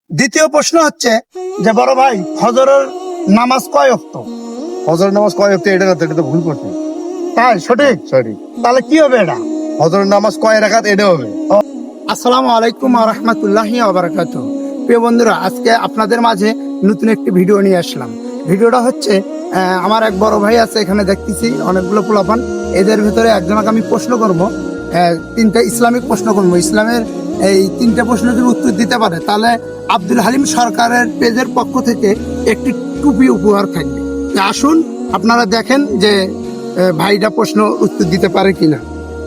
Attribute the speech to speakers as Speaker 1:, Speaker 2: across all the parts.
Speaker 1: দ্বিতীয় প্রশ্ন হচ্ছে যে বড় ভাই ফজরের নামাজ কয় ওয়াক্ত?
Speaker 2: ফজরের নামাজ কয় ওয়াক্ত? এটা না তো, এটা তো ভুল করছি।
Speaker 1: তাই সঠিক?
Speaker 2: সরি,
Speaker 1: তাহলে কি হবে এটা?
Speaker 2: ফজরের নামাজ কয় রাকাত এটা হবে।
Speaker 1: আসসালামু আলাইকুম ওয়া রাহমাতুল্লাহি ওয়া বারাকাতুহু। প্রিয় বন্ধুরা, আজকে আপনাদের মাঝে নতুন একটি ভিডিও নিয়ে আসলাম। ভিডিওটা হচ্ছে আমার এক বড় ভাই আছে, এখানে দেখতেছি অনেকগুলো পোলাপান। এদের ভিতরে একজনকে আমি প্রশ্ন করব, তিনটা ইসলামিক প্রশ্ন করব। ইসলামের এই তিনটা প্রশ্ন যদি উত্তর দিতে পারে তাহলে আব্দুল হালিম সরকারের পেজের পক্ষ থেকে একটি টুপি উপহার থাকবে। তা আসুন আপনারা দেখেন যে ভাইটা প্রশ্ন উত্তর দিতে পারে কিনা।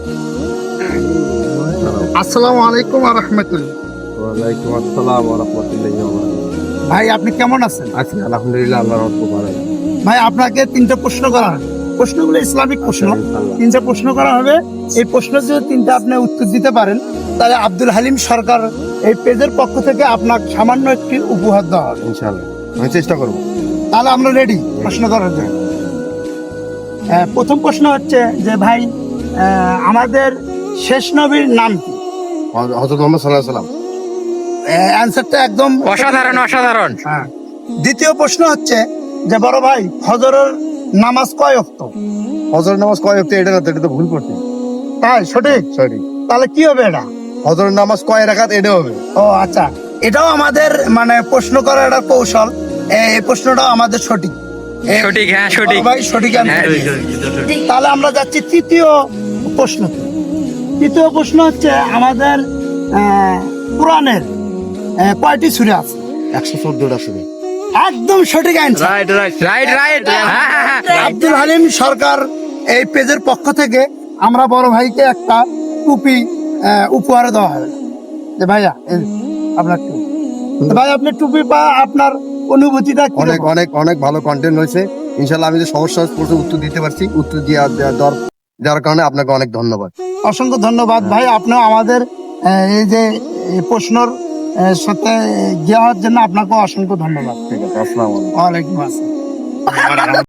Speaker 1: আসসালামু আলাইকুম ওয়া রাহমাতুল্লাহ।
Speaker 2: ওয়ালাইকুম আসসালাম ওয়া রাহমাতুল্লাহি ওয়া বারাকাতুহু।
Speaker 1: ভাই আপনি কেমন আছেন?
Speaker 2: আছি আলহামদুলিল্লাহ, আল্লাহর রহমতে ভালো আছি।
Speaker 1: ভাই আপনাকে তিনটা প্রশ্ন করা হবে, প্রশ্নগুলো ইসলামিক প্রশ্ন। তিনটা প্রশ্ন করা হবে, এই প্রশ্ন যদি তিনটা আপনি উত্তর দিতে পারেন তাহলে আব্দুল হালিম সরকার এই পেজের পক্ষ থেকে আপনাকে সামান্য একটি উপহার দেওয়া হবে।
Speaker 2: ইনশাআল্লাহ আমি চেষ্টা করব।
Speaker 1: তাহলে আমরা রেডি প্রশ্ন করার জন্য। প্রথম প্রশ্ন হচ্ছে যে ভাই আমাদের শেষ নবীর নাম কি?
Speaker 2: হযরত মুহাম্মদ সাল্লাল্লাহু আলাইহি সাল্লাম।
Speaker 1: অ্যান্সারটা একদম
Speaker 3: অসাধারণ অসাধারণ।
Speaker 1: হ্যাঁ। দ্বিতীয় প্রশ্ন হচ্ছে যে বড় ভাই ফজরের নামাজ কয় ওয়াক্ত?
Speaker 2: ফজরের নামাজ কয় ওয়াক্ত? এটা না তো, এটা তো ভুল করছি।
Speaker 1: তাই সঠিক?
Speaker 2: সরি,
Speaker 1: তাহলে কি হবে এটা?
Speaker 2: ফজরের নামাজ কয় রাকাত এটা হবে।
Speaker 1: ও আচ্ছা, এটাও আমাদের মানে প্রশ্ন করার একটা কৌশল। এই প্রশ্নটাও আমাদের সঠিক।
Speaker 3: সঠিক, হ্যাঁ সঠিক।
Speaker 1: ভাই সঠিক answer
Speaker 3: হ্যাঁ,
Speaker 1: দিয়েছে। তাহলে আমরা যাচ্ছি তৃতীয় প্রশ্ন। তৃতীয় প্রশ্ন হচ্ছে আমাদের কোরআনের কয়টি সূরা আছে?
Speaker 2: 114টা শুনে।
Speaker 1: একদম সঠিক answer.
Speaker 3: Right right.
Speaker 1: Abdul Halim Sarkar এই পেজের পক্ষ থেকে আমরা বড় ভাইকে একটা টুপি উপহার দেওয়া হবে। যে ভাইয়া এই আপনার টুপি। তো ভাই আপনি টুপি পা আপনার অনুভূতিটা কি?
Speaker 2: অনেক অনেক অনেক ভালো কন্টেন্ট হয়েছে। ইনশাআল্লাহ আমি যে সহজ সহজ প্রশ্ন উত্তর দিতে পারছি, উত্তর দেওয়ার কারণে আপনাকে অনেক ধন্যবাদ।
Speaker 1: অসংখ্য ধন্যবাদ ভাই, আপনিও আমাদের এই যে এই প্রশ্নর সাথে যাওয়ার জন্য আপনাকে অসংখ্য ধন্যবাদ।
Speaker 2: ঠিক আছে, আসসালামু আলাইকুম।
Speaker 1: ওয়ালাইকুম আসসালাম।